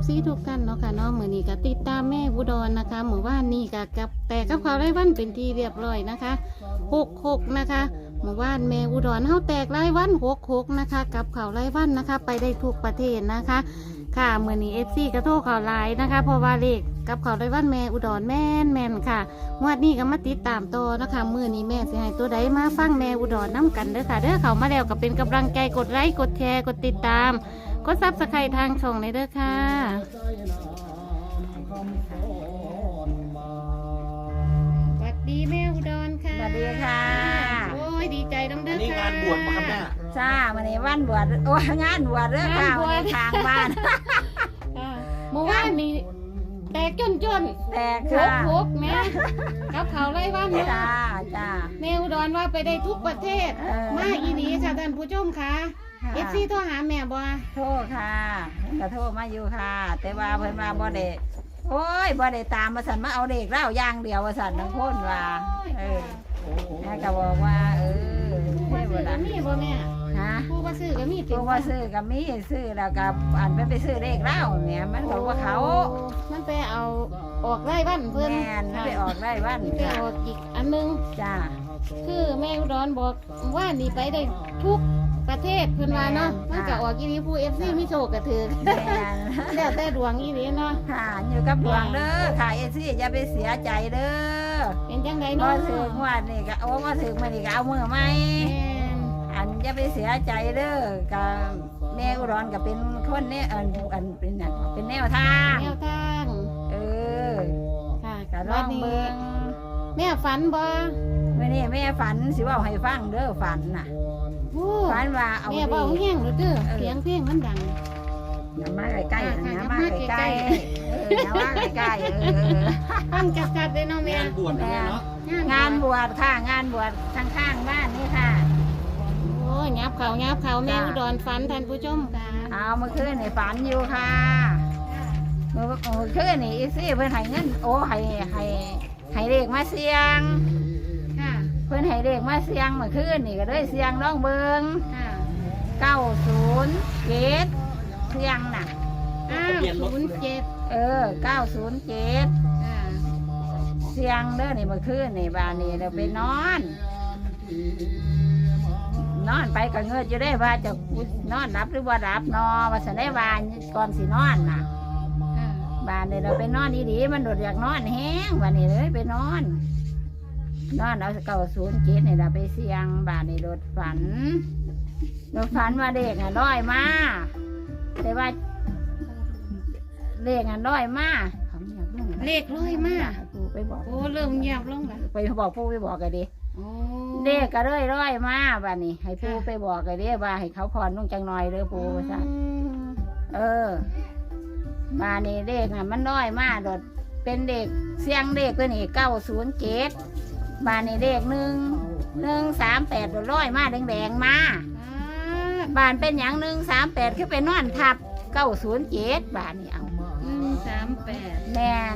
FC ทุกท่านเนาะค่ะเนาะมื้อนี้ก็ติดตามแม่อุดรนะคะหมู่บ้านนี้ก็แต่กับเขาวรายวันเป็นที่เรียบร้อยนะคะ66นะคะหมู่บ้านแม่อุดรเฮาแตกรายวัน66นะคะกับเขาวรายวันนะคะไปได้ทุกประเทศนะคะค่ะมื้อนี้ FC ก็โทรเข้าไลน์นะคะเพราะว่าเลขกับเขาวรายวันแม่อุดรแม่นค่ะงวดนี้ก็มาติดตามต่อนะคะมื้อนี้แม่สิให้ตัวใดมาฟังแม่อุดรนํกันเด้อค่ะเด้อเข้ามาแล้วก็เป็นกำลังใจกดไลค์กดแชร์กดติดตามกดซับสไครต์ทางช่องเลยเด้อค่ะสวัสดีแม่อุดรค่ะสวัสดีค่ะโอ้ยดีใจน้ำเด้อนี่ค่ะงานบวชมาครับแม่จ้าวันนี้วันบวชโอ้งานบวชเรื่องค่ะวันนี้ทางบ้านค่ะเมื่อวานนี้แตกจนแตกโคค่ะกโคกแม่กับเขาไล่บ้านเนี่ยจ้าจ้าแม่อุดรว่าไปได้ทุกประเทศ มาอีนี้ค่ะท่านผู้ชมค่ะเอฟซีโทรหาแม่บ่โทษค่ะกระโทษมาอยู่ค่ะ แต่ว่าเพิ่นว่าบ่ได้โอ้ยบ่ได้ตามมาสั่นมาเอาเด็กเล่าอย่างเดียวมาสั่นทั้งคนว่าแม่ก็บอกว่าให้ผู้บ่ว่าล่ะซื้อก็มีบ่แม่ฮะผู้ว่าซื้อก็มีตัวว่าซื้อก็มีซื้อแล้วก็อันไปซื้อเด็กเล่าเนี่ยมันก็ว่าเขามันไปเอาออกไล่บ้านเพิ่นแม่นไม่ไปออกได้บ้านไปออกอีกอันนึงจ้าคือแม่อุดรบอกว่านี่ไปได้ทุกประเทศเพิ่นว่าเนาะมันก็ออกอีนี้ผู้ FC มีโชคก็ถือแม่นแล้วแต่ดวงอีนี้เนาะค่ะอยู่กับดวงเด้อค่ะเอซี่อย่าไปเสียใจเด้อเป็นจังไดบ่เนาะถึงวันนี่ก็โอ้บ่ถึงมื้อนี้ก็เอามือใหม่แม่นอันอย่าไปเสียใจเด้อก็แม่อุดรก็เป็นคนเนี่ยอันเป็นนั่นเป็นแนวทางแนวทางเออค่ะก็ลวัอน งนี้เบิ่งแม่ฝันบ่มื้อนี้แม่ฝันสิเว้าให้ฟังเด้อฝันน่ะโอ้ฝันว่าเอาแม่เบาแห้งเด้อเสียงเพลงมันดังอย่ามาใกล้ๆค่ะอย่ามาอย่ามาใกล้ใกล้ๆอย่ามาใกล้ๆฟังจัดๆเลยเนาะแม่งานบวชนะแม่เนาะงานบวชค่ะงานบวชข้างๆบ้านนี่ค่ะโอ้ยยับเขาแม่อุดรฝันท่านผู้ชมค่ะเอาเมื่อคืนนี่ฝันอยู่ค่ะเมื่อคืนนี่อีซี่เพิ่นให้เงินโอ้ให้เลขมาเสียงค่ะเพิ่นให้เลขมาเสียงเมื่อคืนนี่ก็เลยเสียงน้องเบิงค่ะ 907เสียงน่ะ 907 907 ค่ะเสียงเด้อนี่เมื่อคืนนี่บ้านนี่เราไปนอนไปก็เงิดอยู่ได้ว่าจะนอนรับหรือว่ารับนอว่าสันได้วานก่อนสินอนน่ะค่ะบ้านนี่เราไปนอนดีๆมันโดดอยากนอนแห้งบ้านนี่เลยไปนอนเอา907นี่เราไปเสียงบ้านนี่โดดฝันว่าเด็กน้อยมาแต่ว่าเด็กน้อยมาเขาเงียบลงเลขร้อยมากปูไปบอกโอ้เริ่มเงียบลงละไปบอกปูไปบอกกันดิโอ้เด็กก็เลยร้อยมาบ้านนี้ให้ปูไปบอกกันดิว่าให้เขาพรนุ่งจังหน่อยเด้อปูว่าซั่นบ้านนี้เด็กน่ะมันน้อยมาโดดเป็นเด็กเสียงเด็กตัวนี้907บ้านนี้เด็ก138โดดร้อยมาแดงๆมาบ้านเป็นอย่าง138คือไปนอนทับ907บ้านนี้เอา 138 แม่น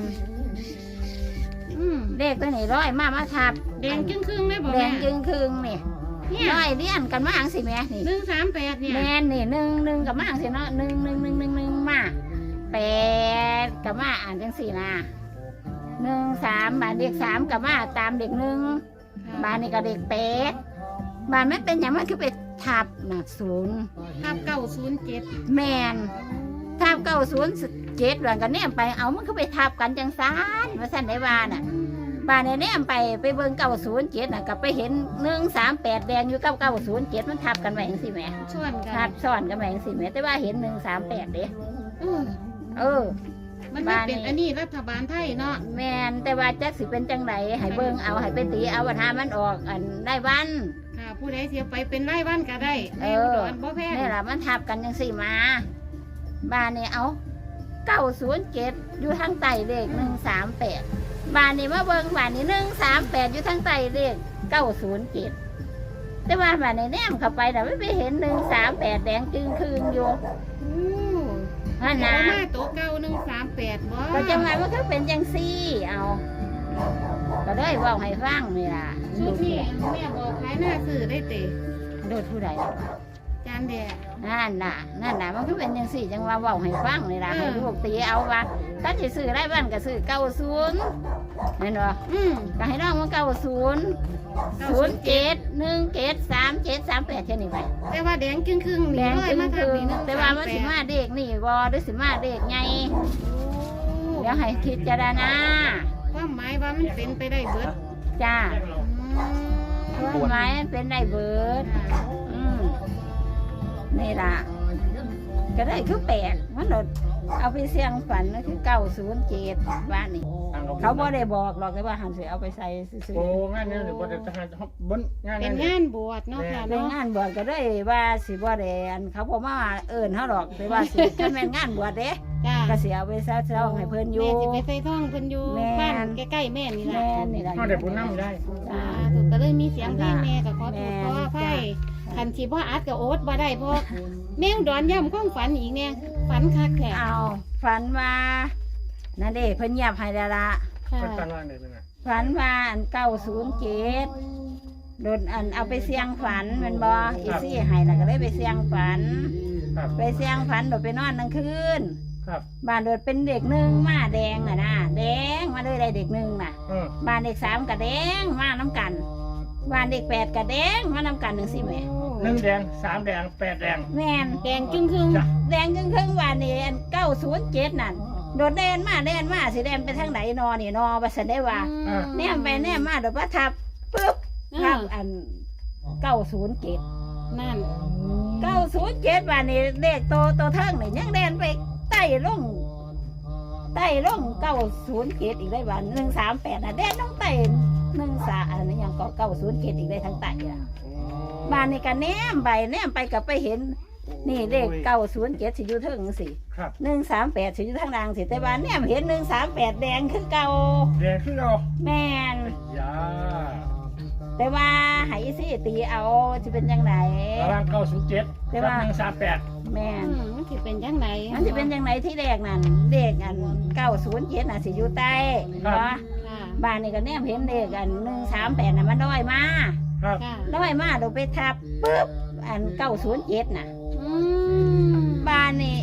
เด็กตัวนี้ร้อยมาทับแดงจึงครึ่งเลยบ่แดแม่งจึงครึ่งนี่เนี่ยร้อยเลี้ยนกันมาอังสิแม่นี่ 138เนี่ยแม่นนี่หนึ่งกับมาอังสิเนาะหนึ่งมา8กับมาอ่านจังสี่นะ13บ้านเด็ก3กับมาตามเด็ก1บ้านนี่ก็เด็ก8บ้านไม่เป็นอย่างมันคือไปทับน่ะ0 ทับ907 แม่นทับ907หลังกันเนี่ยไปเอามันคือไปทับกันจังซานว่าซั่นได้ว่าน่ะ บ้านเนี่ยไปเบิ่ง907น่ะกับไปเห็น138แดงอยู่กับ907มันทับกันไว้จังซี่แหมชวนกัทันบซ้อนกันไว้จังซี่แหมแต่ว่าเห็น138เด้เออเออมันไม่เป็นอันนี้รัฐบาลไทยเนาะแม่นแต่ว่าจักสิเป็นจังไดให้เบิ่งเอาให้ไปตีเอาว่าถ้ามันออกอันได้วันค่ะผู้ใดเสียไปเป็นไร่บ้านก็ได้เอแม่ออุดรบ่แพงนี่ล่ะมันทับกันจังซี่มาบ้านนี่เอา907อยู่ทางใต้เลข138บ้านนี่มาเบิ่งบ้านนี่138อยู่ทางใต้เลข907แต่ว่าบ้านนี่แนมเข้าไปน่ะไม่ไปเห็น138แดงจึงคืนอยู่อู้นั่นแต่นะว่ามาโต๊ะเก่า138บ่ก็จังไงมันก็เป็นจังซี่เอาก็เลยเว่าให้ฟังนี่ล่ะชุดนี้แม่บอกขายหน้าซื้อได้เตะโดดผู้ใดจ้านั่นแหละนั่นน่ะมันก็เป็นจังซี่จังว่าเว้าให้ฟังนี่ล่ะให้ลูกตีเอาว่าถ้าสิซื้อรายวันก็ซื้อ90แม่นบ่ก็ให้น้องมัน90 07173738แค่นี้ไปแต่ว่าแดงครึ่งๆแดนี่งเลยจึงมาทำคือนี่นึงแต่ว่ามันสิมาเด็กนี่บ่หรือสิมาเด็กไงเดี๋ยวให้คิดจารณาความหมายว่ามันเป็นไปได้เบิดจ้าอืมว่าไม้เป็นได้เบิดนี่ล่ะก็ได้คือแปลกมันโดดเอาไปเสี่ยงฝันก็คือ907บ้านนี่เขาบ่ได้บอกหรอกแต่ว่าหันสิเอาไปใส่ซื่อโอ้งานนี้บ่ได้ทหารบนงานเป็นนี้งานบวชเนาะค่ะๆในเนาะงานบวชก็ได้ว่าสิบ่ได้อันเขาบ่มาเอิ้นเฮาหรอกแต่ว่าสิถ้าแม่นงานบวชเด้จ้าก็สิเอาไปเซาๆให้เพิ่นอยู่แม่สิไปใส่ท่องเพิ่นอยู่แม่บ้านใกล้ๆแม่นี่ล่ะแม่นี่ล่ะเฮาได้บุญนำได้จ้าถูกก็เลยมีเสียงเพลงแม่ก็ขอโทษขออภัยจ้ะคันสิบ่อัดก็โอ๊ตบ่ได้เพราะแมวดอนย่ำความฝันอีกเนี่ยฝันคักแท้เอาฝันว่านั่นเด้เพิ่นเงียบให้แล้วล่ะค่ะเพิ่นกันว่าได้เป็นไงฝันว่าอัน907โดนอันเอาไปเสี่ยงฝันแมันบ่อีซี่ให้น่ะก็เลยไปเสี่ยงฝันครับไปเสี่ยงฝันโดดไปนอนกลางคืนครับบ้านโดดเป็นเด็กหนึ่งมาแดงน่ะนะแดงมาเลยได้เด็กหนึ่งน่ะ บ้านเด็ก3ก็แดงมาน้ำกันบ้านเด็ก8ก็แดงมาน้ำกันจังซี่แหม่ 1แดง3แดง8แดงแม่นแดงจึงครึ่งจ้ะแดงครึ่งๆว่านี่อัน907นั่นโดดแดนมาสิแดนไปทางไหนนอนี่นอว่าซั่นได้ว่าแนมไปแนมมาโดดว่าทับปึ๊บทับอัน907 นั่น 907ว่านี่เลขโตเทิงนี่ยังแดนไปใต้ลง907อีกได้ว่า138น่ะแดนลงใต้13อันนี้ยังก็907อีกได้ทั้งใต้อ่ะบ้านนี่ก็แนมไปก็ไปเห็นนี่เลข907สิอยู่เทิงจังซี่ครับ 138สิอยู่ทางล่างสิแต่ว่าเนี่ยเห็น138แดงคือเก่าแดงคือเรายาแต่ว่าให้สิตีเอาสิเป็นจังไดระหว่าง907กับ138 แม่นมันสิเป็นจังไดมันสิเป็นจังไดที่แรกนั่นเลขอัน907น่ะสิอยู่ใต้เนาะค่ะบ้านนี่ก็แนมเห็นเลขอัน138น่ะมันด้อยมาครับค่ะด้อยมาโดยไปทับปึ๊บอัน907น่ะอืมบ้านนี่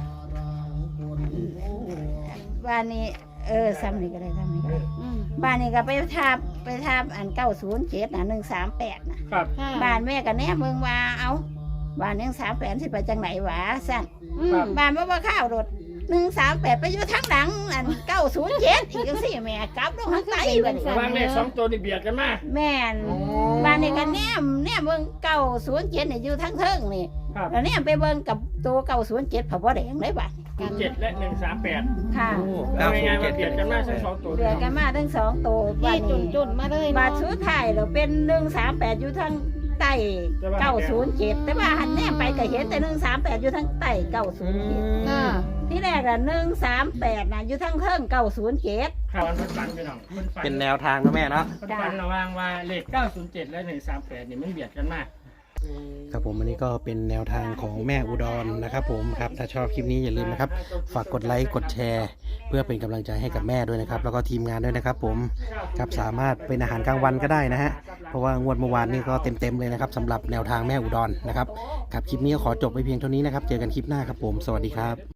ซ้ำนี่ก็ได้ซ้ำนี่ก็ได้อืมบ้านนี่ก็ไปทับอัน907น่ะ138น่ะครับค่ะบ้านแม่ก็แนมเบิ่งว่าเอาบ้าน138สิไปจังไหนวะสั่นอืมบ้านบ่ข้าวรถ138ไปอยู่ทางหลังอัน907อีกจังซี่แม่กลับลงทางใต้บัดนี้ระหว่างเลข2ตัวนี่เบียดกันมาแม่นโอ้บ้านนี่ก็แนมเบิ่ง907นี่อยู่ทางเทิงนี่ครับแล้วแนมไปเบิ่งกับตัว907เพราะบ่แดงเลยบัดนี้ 7และ138 ค่ะเอาง่ายๆว่าเบียดกันมาทั้ง2ตัวเดือกันมาทั้งสองตัวบ้าที่นนี้จุนๆมาเลยบาเนาะทสุดท้ายเราเป็น138อยู่ทางใต้907แต่ว่าหันแนมไปก็เห็นแต่138อยู่ทางใต้907 ค่ะที่แรกน่ะ138น่ะอยู่ทางเทิง907 ครับมันฝันไปหน่อยมันฝันเป็นแนวทางนะแม่เนาะมันฝันระหว่างว่าเลข907และ138นี่มันเบียดกันมากครับผมอันนี้ก็เป็นแนวทางของแม่อุดรนะครับผมครับถ้าชอบคลิปนี้อย่าลืมนะครับฝากกดไลค์กดแชร์ เพื่อเป็นกำลังใจให้กับแม่ด้วยนะครับแล้วก็ทีมงานด้วยนะครับผมครับสามารถเป็นอาหารกลางวันก็ได้นะฮะเพราะว่างวดเมื่อวานนี้ก็เต็มๆเลยนะครับสำหรับแนวทางแม่อุดรนะครับครับคลิปนี้ก็ขอจบไปเพียงเท่านี้นะครับเจอกันคลิปหน้าครับผมสวัสดีครับ